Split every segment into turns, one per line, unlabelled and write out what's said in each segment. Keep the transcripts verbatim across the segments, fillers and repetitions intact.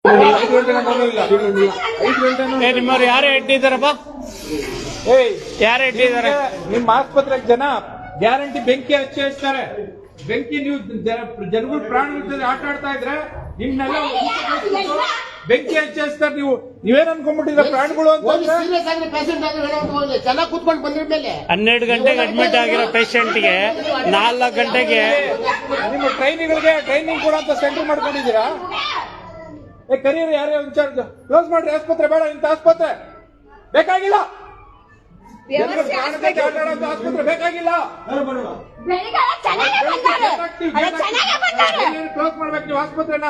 ನಿಮ್ಮವ್ರು ಯಾರು ಇಟ್ಟಿದ್ದಾರಪ್ಪ? ಯಾರು ಇಟ್ಟಿದ್ದಾರೆ?
ನಿಮ್ಮ ಆಸ್ಪತ್ರೆಗೆ ಜನ ಗ್ಯಾರಂಟಿ ಬೆಂಕಿ ಹಚ್ಚಿ ಹಚ್ತಾರೆ. ಬೆಂಕಿ ನೀವು ಜನಗಳು ಪ್ರಾಣ ಆಟ ಆಡ್ತಾ ಇದ್ರೆ ನಿಮ್ನೆಲ್ಲ ಬೆಂಕಿ ಹಚ್ಚಿ ಹಚ್ತಾರೆ. ನೀವು ನೀವೇನ್ ಅನ್ಕೊಂಡ್ಬಿಟ್ಟಿದ್ರೆ ಪ್ರಾಣಿಗಳು ಅಂತ.
ಹನ್ನೆರಡು ಗಂಟೆಗೆ ಅಡ್ಮಿಟ್ ಆಗಿರೋ ಪೇಷಂಟ್ಗೆ ನಾಲ್ಕು ಗಂಟೆಗೆ
ನಿಮ್ಮ ಟ್ರೈನಿಗಳಿಗೆ ಟ್ರೈನಿಂಗ್ ಕೊಡುವಂತ ಸೆಂಟರ್ ಮಾಡ್ಕೊಂಡಿದ್ದೀರಾ? ಏ ಕರೀರಿ, ಯಾರೇ ಇನ್ಚಾರ್ಜ್ ಕ್ಲೋಸ್ ಮಾಡ್ರಿ. ಆಸ್ಪತ್ರೆ ಬೇಡ, ಇಂಥ ಆಸ್ಪತ್ರೆ ಬೇಕಾಗಿಲ್ಲ. ಆಸ್ಪತ್ರೆ ಬೇಕಾಗಿಲ್ಲ. ಕ್ಲೋಸ್ ಮಾಡ್ಬೇಕು ನೀವು ಆಸ್ಪತ್ರೆನ.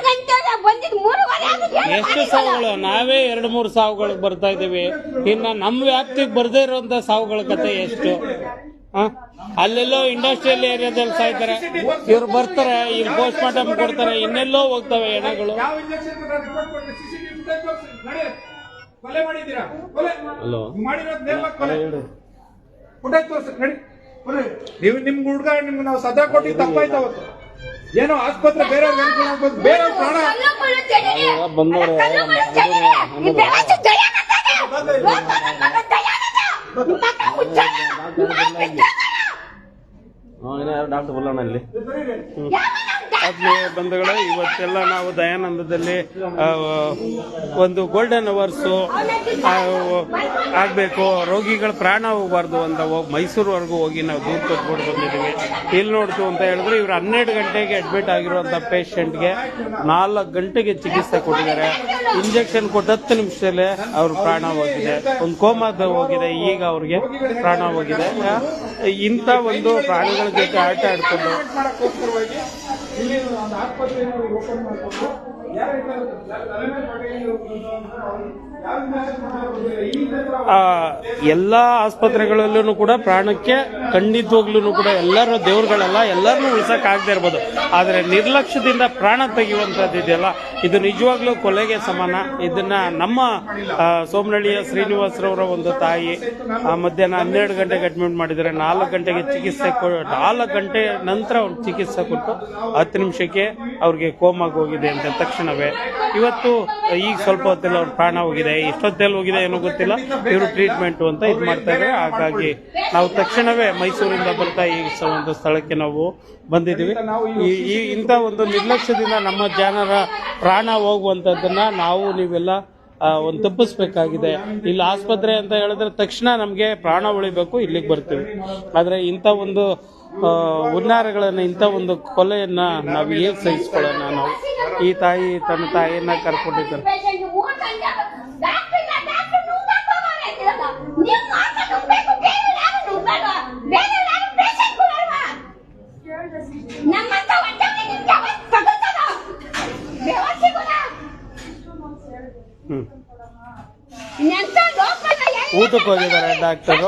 ಎಷ್ಟು ಸಾವುಗಳು? ನಾವೇ ಎರಡು ಮೂರು ಸಾವುಗಳಿಗೆ ಬರ್ತಾ ಇದೀವಿ. ಇನ್ನ ನಮ್ಮ ವ್ಯಾಪ್ತಿಗೆ ಬರ್ದೇ ಇರುವಂತ ಸಾವುಗಳ ಕತೆ ಎಷ್ಟು? ಅಲ್ಲೆಲ್ಲೋ ಇಂಡಸ್ಟ್ರಿಯಲ್ ಏರಿಯಾದಲ್ಲಿ ಸಾಯ್ತಾರೆ, ಇವ್ರು ಬರ್ತಾರೆ, ಇಲ್ಲಿ ಪೋಸ್ಟ್ ಮಾರ್ಟಮ್ ಕೊಡ್ತಾರೆ, ಇನ್ನೆಲ್ಲೋ ಹೋಗ್ತವೆ ಹೆಣಗಳು.
ಕೊಲೆ ಮಾಡಿದ್ದೀರಾ? ಕೊಲೆ ಮಾಡಿರೋದು ನೇಮಕ ಕೊಲೆ. ಫುಟೇಜ್ ತೋರಿಸಿ ನಡಿ. ನೀವು ನಿಮ್ ಹುಡುಗ ನಿಮ್ಗೆ ನಾವು ಸದಾ ಕೊಟ್ಟಿದ್ದು ತಪ್ಪಾಯ್ತು ಅವತ್ತು. ಏನೋ ಆಸ್ಪತ್ರೆ ಬೇರೆಯವ್ರಿಗೆ ಅನುಕೂಲ ಆಗ್ಬೋದು, ಬೇರೆಯವ್ರ ಪ್ರಾಣ
ಬಂದವ್ರೆ. ಡಾಕ್ಟರ್ ಬಲ್ಲಣ್ಣ ಇಲ್ಲಿ ಆತ್ಮೀಯ ಬಂಧುಗಳೇ, ಇವತ್ತೆಲ್ಲ ನಾವು ದಯಾನಂದದಲ್ಲಿ ಒಂದು ಗೋಲ್ಡನ್ ಅವರ್ಸು ಆಗಬೇಕು, ರೋಗಿಗಳ ಪ್ರಾಣ ಹೋಗಬಾರ್ದು ಅಂತ ಹೋಗಿ ಮೈಸೂರುವರೆಗೂ ಹೋಗಿ ನಾವು ದೂರ ಕೊಟ್ಬಿಟ್ಟು ಬಂದಿದ್ದೀವಿ. ಇಲ್ಲಿ ನೋಡ್ತು ಅಂತ ಹೇಳಿದ್ರೆ ಇವರು ಹನ್ನೆರಡು ಗಂಟೆಗೆ ಅಡ್ಮಿಟ್ ಆಗಿರುವಂಥ ಪೇಷಂಟ್ಗೆ ನಾಲ್ಕು ಗಂಟೆಗೆ ಚಿಕಿತ್ಸೆ ಕೊಟ್ಟಿದ್ದಾರೆ. ಇಂಜೆಕ್ಷನ್ ಕೊಟ್ಟು ಹತ್ತು ನಿಮಿಷದಲ್ಲೇ ಅವ್ರ ಪ್ರಾಣ ಹೋಗಿದೆ. ಒಂದು ಕೋಮಾದ ಹೋಗಿದೆ, ಈಗ ಅವ್ರಿಗೆ ಪ್ರಾಣ ಹೋಗಿದೆ. ಇಂಥ ಒಂದು ಪ್ರಾಣಿಗಳ ಜೊತೆ ಆಟ ಆಡ್ಕೊಂಡು ಎಲ್ಲಾ ಆಸ್ಪತ್ರೆಗಳಲ್ಲೂ ಕೂಡ ಪ್ರಾಣಕ್ಕೆ ಖಂಡಿತವಾಗ್ಲೂ ಕೂಡ ಎಲ್ಲರೂ ದೇವ್ರುಗಳೆಲ್ಲ ಎಲ್ಲರನ್ನೂ ಉಳಿಸಕ್ ಆಗದೆ ಇರ್ಬೋದು, ಆದ್ರೆ ನಿರ್ಲಕ್ಷ್ಯದಿಂದ ಪ್ರಾಣ ತೆಗೆಯುವಂತದ್ದು ಇದೆಯಲ್ಲ, ಇದು ನಿಜವಾಗ್ಲೂ ಕೊಲೆಗೆ ಸಮಾನ. ಇದನ್ನ ನಮ್ಮ ಸೋಮನಹಳ್ಳಿಯ ಶ್ರೀನಿವಾಸರವರ ಒಂದು ತಾಯಿ ಮಧ್ಯಾಹ್ನ ಹನ್ನೆರಡು ಗಂಟೆಗೆ ಅಡ್ಮಿಟ್ ಮಾಡಿದರೆ ನಾಲ್ಕು ಗಂಟೆಗೆ ಚಿಕಿತ್ಸೆ ನಾಲ್ಕು ಗಂಟೆ ನಂತರ ಅವ್ರು ಚಿಕಿತ್ಸೆ ಕೊಟ್ಟು ಹತ್ತು ನಿಮಿಷಕ್ಕೆ ಅವ್ರಿಗೆ ಕೋಮಾಗಿ ಹೋಗಿದೆ ಅಂತ ತಕ್ಷಣವೇ ಇವತ್ತು ಈಗ ಸ್ವಲ್ಪ ಹೊತ್ತಲ್ಲಿ ಅವ್ರ ಪ್ರಾಣ ಹೋಗಿದೆ. ಎಷ್ಟೊತ್ತಲ್ಲಿ ಹೋಗಿದೆ ಏನೋ ಗೊತ್ತಿಲ್ಲ, ಇವರು ಟ್ರೀಟ್ಮೆಂಟ್ ಅಂತ ಇದು ಮಾಡ್ತಾ ಇದ್ದಾರೆ. ಹಾಗಾಗಿ ನಾವು ತಕ್ಷಣವೇ ಮೈಸೂರಿಂದ ಬರ್ತಾ ಈ ಒಂದು ಸ್ಥಳಕ್ಕೆ ನಾವು ಬಂದಿದ್ದೀವಿ. ಈ ಇಂಥ ಒಂದು ನಿರ್ಲಕ್ಷ್ಯದಿಂದ ನಮ್ಮ ಜನರ ಪ್ರಾಣ ಹೋಗುವಂಥದ್ದನ್ನ ನಾವು ನೀವೆಲ್ಲ ಒಂದು ತಪ್ಪಿಸ್ಬೇಕಾಗಿದೆ. ಇಲ್ಲಿ ಆಸ್ಪತ್ರೆ ಅಂತ ಹೇಳಿದ್ರೆ ತಕ್ಷಣ ನಮಗೆ ಪ್ರಾಣ ಉಳಿಬೇಕು, ಇಲ್ಲಿಗೆ ಬರ್ತೀವಿ. ಆದರೆ ಇಂಥ ಒಂದು ಹುನ್ನಾರಗಳನ್ನ, ಇಂಥ ಒಂದು ಕೊಲೆಯನ್ನ ನಾವು ಹೇಗೆ ಸಹಿಸ್ಕೊಳ್ಳೋಣ? ನಾವು ಈ ತಾಯಿ ತನ್ನ ತಾಯಿಯನ್ನ ಕರ್ಕೊಂಡಿದ್ದಾರೆ. ಊಟಕ್ಕೆ ಹೋಗಿದ್ದಾರೆ ಡಾಕ್ಟರು.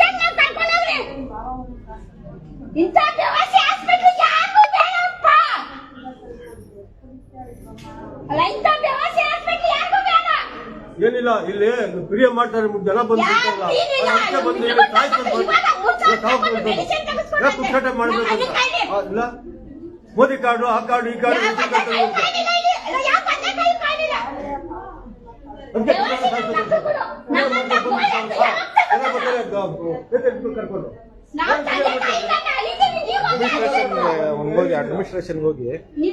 ಏನಿಲ್ಲ, ಇಲ್ಲಿ ಪ್ರಿಯ ಮಾಡ್ತಾರೆ, ಜನ ಬಂದ್ಬಿಟ್ಟಾಗ ಪುಕ್ಷಾಟ ಮಾಡ್ಬೇಕಂತ ಇಲ್ಲ. ಮೋದಿ ಕಾರ್ಡು, ಆ ಕಾರ್ಡು, ಈ ಕಾರ್ಡು ಕರ್ಕೊಂಡು ಹೋಗಿ ಅಡ್ಮಿನಿಸ್ಟ್ರೇಷನ್ ಹೋಗಿ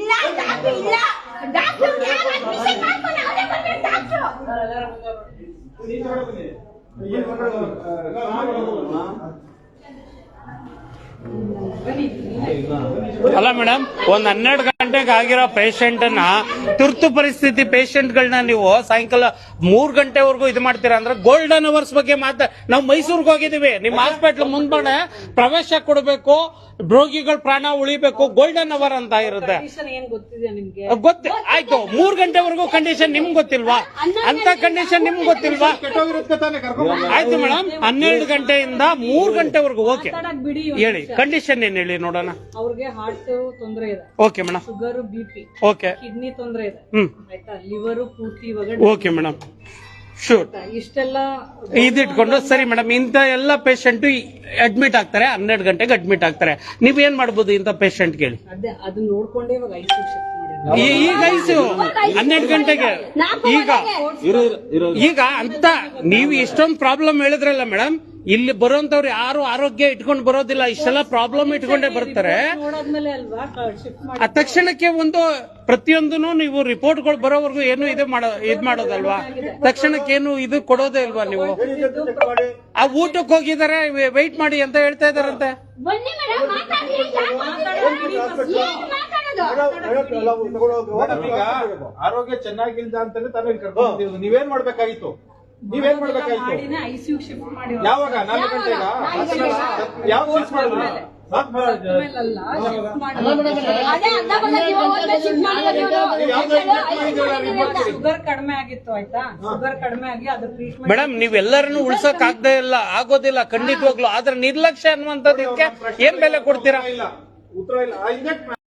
ಅಲ್ಲ ಮೇಡಮ್, ಒಂದ್ ಹನ್ನೆರಡು ಗಂಟೆಗೆ ಆಗಿರೋ ಪೇಷಂಟ್ ಅನ್ನ, ತುರ್ತು ಪರಿಸ್ಥಿತಿ ಪೇಷಂಟ್ ಗಳನ್ನ ನೀವು ಸಾಯಂಕಾಲ ಮೂರ್ ಗಂಟೆವರೆಗೂ ಇದು ಮಾಡ್ತೀರಾ ಅಂದ್ರೆ ಗೋಲ್ಡನ್ ಅವರ್ಸ್ ಬಗ್ಗೆ ಮಾತ್ರ. ನಾವು ಮೈಸೂರಿಗೆ ಹೋಗಿದೀವಿ, ನಿಮ್ಮ ಹಾಸ್ಪಿಟ್ಲ್ ಮುಂದ್ಗಡೆ ಪ್ರವೇಶ ಕೊಡಬೇಕು, ರೋಗಿಗಳ ಪ್ರಾಣ ಉಳಿಬೇಕು, ಗೋಲ್ಡನ್ ಅವರ್ ಅಂತ ಇರುತ್ತೆ. ಗೊತ್ತ ಆಯ್ತು, ಮೂರ್ ಗಂಟೆವರೆಗೂ ಕಂಡೀಷನ್ ನಿಮ್ಗೆ ಗೊತ್ತಿಲ್ವಾ? ಅಂತ ಕಂಡೀಷನ್ ನಿಮ್ಗೆ ಗೊತ್ತಿಲ್ವಾ? ಆಯ್ತು ಮೇಡಮ್, ಹನ್ನೆರಡು ಗಂಟೆಯಿಂದ ಮೂರ್ ಗಂಟೆವರೆಗೂ ಓಕೆ ಹೇಳಿ, ಕಂಡೀಷನ್ ಏನ್ ಹೇಳಿ ನೋಡೋಣ.
ಅವ್ರಿಗೆ ಹಾರ್ಟ್ ತೊಂದರೆ ಇದೆ.
Okay madam.
Sugar, BP,
okay,
kidney ತೊಂದರೆ ಇದೆ.
ಹ್ಮ್,
ಆಯ್ತಾ, ಲಿವರ್ ಪೂರ್ತಿ
ಓಕೆ ಮೇಡಮ್, ಶೂರ್.
ಇಷ್ಟೆಲ್ಲ
ಇದಿಟ್ಕೊಂಡು ಸರಿ ಮೇಡಮ್, ಇಂಥ ಎಲ್ಲ ಪೇಷಂಟ್ ಅಡ್ಮಿಟ್ ಆಗ್ತಾರೆ, ಹನ್ನೆರಡು ಗಂಟೆಗೆ ಅಡ್ಮಿಟ್ ಆಗ್ತಾರೆ. ನೀವೇನ್ ಮಾಡ್ಬೋದು ಇಂಥ ಪೇಷಂಟ್ ಕೇಳಿ?
ಅದೇ ಅದು ನೋಡ್ಕೊಂಡೇ ಇವಾಗ ಐಸಿಯು ಶಿಫ್ಟ್ ಮಾಡಿದ್ರು.
ಈ- ಈಗ ಐಸು ಹನ್ನೆರಡು ಗಂಟೆಗೆ ಈಗ ಈಗ ಅಂತ ನೀವು ಇಷ್ಟೊಂದು ಪ್ರಾಬ್ಲಮ್ ಹೇಳಿದ್ರಲ್ಲ ಮೇಡಮ್, ಇಲ್ಲಿ ಬರೋಂತವ್ರು ಯಾರು ಆರೋಗ್ಯ ಇಟ್ಕೊಂಡು ಬರೋದಿಲ್ಲ, ಇಷ್ಟೆಲ್ಲ ಪ್ರಾಬ್ಲಮ್ ಇಟ್ಕೊಂಡೇ ಬರ್ತಾರೆ.
ನೋಡಾದ್ಮೇಲೆ ಅಲ್ವಾ ಶಿಫ್ಟ್ ಮಾಡಿ
ಆ ತಕ್ಷಣಕ್ಕೆ ಒಂದು ಪ್ರತಿಯೊಂದನ್ನು ನೀವು ರಿಪೋರ್ಟ್ಗಳು ಬರೋವರೆಗೂ ಏನು ಇದು ಮಾಡೋ ಇದ್ ಮಾಡೋದಲ್ವಾ, ತಕ್ಷಣಕ್ಕೆ ಏನು ಇದು ಕೊಡೋದೇ ಇಲ್ವಾ ನೀವು? ಆ ಊಟಕ್ಕೆ ಹೋಗಿದ್ದಾರೆ, ವೆಯ್ಟ್ ಮಾಡಿ ಅಂತ ಹೇಳ್ತಾ ಇದಾರಂತೆ.
ಬನ್ನಿ ಮೇಡಮ್ ಮಾತಾಡಿ
ಮೇಡಮ್, ಈಗ ಆರೋಗ್ಯ ಚೆನ್ನಾಗಿಲ್ದ ಅಂತಾನೆ ತಾನೇ ಕರ್ಕೊಂಡು ನೀವೇನ್ ಮಾಡ್ಬೇಕಾಗಿತ್ತು? ನೀವೇನ್ ಮಾಡ್ಬೇಕಾಗಿತ್ತು?
ಮಾಡಿನೇ ಐಸಿಯು ಶಿಫ್ಟ್ ಮಾಡಿ
ಯಾವಾಗ? ನಾಲ್ಕು ಗಂಟೆಗ? ಯಾವ ಶಿಫ್ಟ್ ಮಾಡಿದ್ರು?
ಆಮೇಲಲ್ಲ ಶಿಫ್ಟ್ ಮಾಡಿ
ಅದೇ ಅರ್ಧ ಬಂದ ಜೀವ ಹೋದ್ಮೇಲೆ ಶಿಫ್ಟ್ ಮಾಡಿದ್ರು.
ಶುಗರ್ ಕಡಿಮೆ ಆಗಿತ್ತು ಆಯ್ತಾ, ಶುಗರ್ ಕಡಿಮೆ ಆಗಿ ಅದ್ರ ಟ್ರೀಟ್ಮೆಂಟ್.
ಮೇಡಮ್, ನೀವೆಲ್ಲರನ್ನು ಉಳ್ಸಕ್ ಆಗದೆ ಇಲ್ಲ, ಆಗೋದಿಲ್ಲ ಖಂಡಿತವಾಗ್ಲು. ಆದ್ರೆ ನಿರ್ಲಕ್ಷ್ಯ ಅನ್ನುವಂಥದ್ದಕ್ಕೆ ಏನ್ ಬೆಲೆ ಕೊಡ್ತೀರಾ?
ಇಲ್ಲ, ಉತ್ತರ ಇಲ್ಲ.